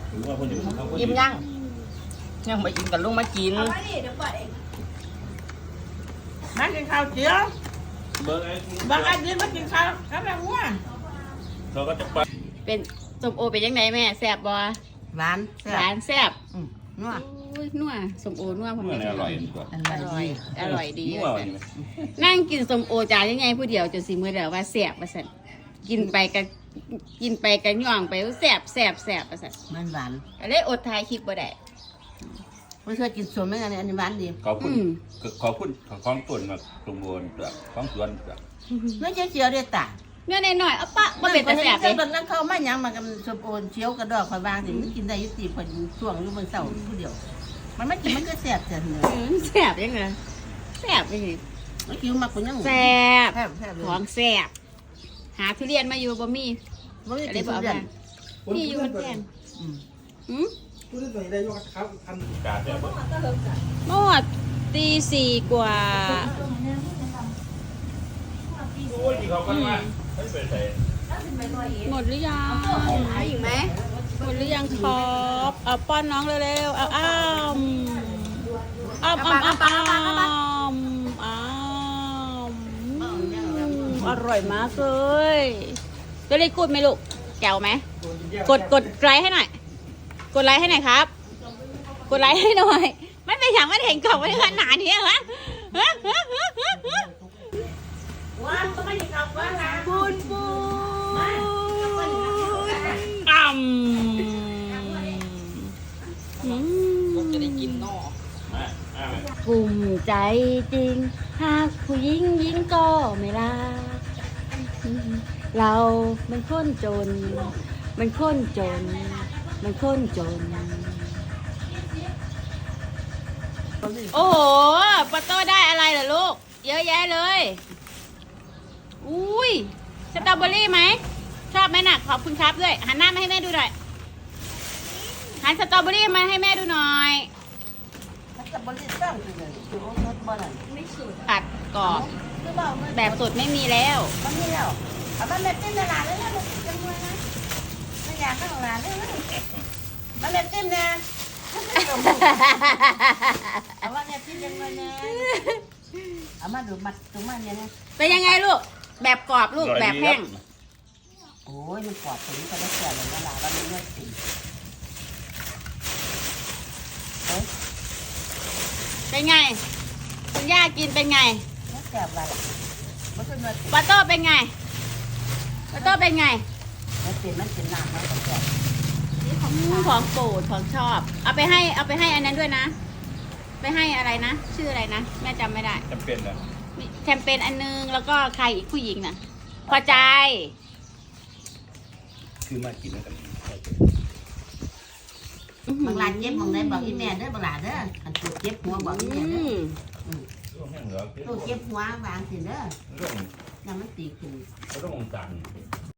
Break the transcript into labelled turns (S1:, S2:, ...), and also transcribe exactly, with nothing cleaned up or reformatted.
S1: อิ่มยังยังไม่อิ่มกันลุงมากินมากินข้าวเจียวบางอาทิตย์มากินข้าวกับแบบว่าเขาก็จะไปเป็นส้มโอเป็นยังไงแม่แซ่บบ่หวานหวานแซ่บนัวนัวส้มโอนัวผมอร่อยอร่อยอร่อยดีนั่งกินส้มโอจานยังไงผู้เดียวจนสิมือเดียวว่าแซ่บว่าสั่นกินไปกันกินไปกันย่องไปแซ่บแซ่บแซ่บว่าสั่นมันหวานอะไรอดทายคลิปบ่ได้ไม่เคยกินส้มไม่ไงอันนี้หวานดี
S2: ขอบคุณขอบคุณของต้นมาตรงบนของสวน
S1: ไม่ใช่เจียวเด็ดต่างเนื้อหน่อยเอาปะมาเป็นแต่แสบเลยตอนนั้นเขาไม่ยังมากันสมโอนเชียวกระดอกคอยบางสิมันกินได้ยุติผลช่วงอยู่บนเสาผู้เดียวมันไม่กินมันก็แสบจังเลยแสบยังไงแสบยังไงไม่คิวมาคนยังแสบของแสบหาทุเรียนมาอยู่บ่มีบ่มีอะไรบ่เอามีอยู่มันแก่นอืมเมื่อวานตีสี่กว่าหมดหรือยังอีกไหมหมดหรือยังครับเอาป้อนน้องเร็วๆเอาอ้ามอ้ามอ้ามอ้ามอ้ามอ้ามอร่อยมากเลยจะได้กูดไหมลูกแก้วไหมกดกดไลค์ให้หน่อยกดไลค์ให้หน่อยครับกดไลค์ให้หน่อยไม่เป็นอย่างไม่เห็นกล่องไม่ขนาดนี้เหรอปูนปูนอ่ำจะได้กินนอภูมิใจจริงหากผู้หญิงหญิงก็ไม่รักเรามันคนจนมันคนจนมันคนจนโอ้โหปาโต้ได้อะไรเหรอลูกเยอะแยะเลยอุ้ยสตรอเบอรี่ไหมชอบไหมน่ะขอบคุณครับด้วยหันหน้ามาให้แม่ดูหน่อยหันสตรอเบอรี่มาให้แม่ดูหน่อยสตรอเบอรี่ตั้งเลยไม่สุดตัดกรอบแบบสดไม่มีแล้วไม่มีแล้วเอามันแบบเต้นในร้านเลยนะลูกจังเลยนะไม่อยากข้างร้านเลยนะมันแบบเต้นนะเอาว่าเนี่ยพี่ยังไงนะเอามาดูมัดตรงมาเนี่ยนะเป็นยังไงลูกแบบกรอบลูกแบบแห้งโอ้ยมันกรอบถึงจะได้แก่เลยนะล่ะว่ามันเลือดสีเป็นไงคุณย่ากินเป็นไงไม่แก่อะไรปาโต้เป็นไงปาโต้เป็นไงมันเป็นมันเป็นหนักมันแก่ของโปรดของชอบเอาไปให้เอาไปให้อันนั้นด้วยนะไปให้อะไรนะชื่ออะไรนะแม่จำไม่ได้
S2: แคมเปญนะ
S1: แคมเปญอันนึงแล้วก็ใครอีกผู้หญิงน่ะพอใจ
S2: คือมากินแล้วกัน
S1: บางร้านเจ็บบางได้บอกอีแม่เด้อบางร้านเด้ออันตัวเจ็บหัวบอกอีแม่เด้อตัวเจ็บหัวบางสิเด้อยังมันตีขึ้น
S2: ต้ององจัน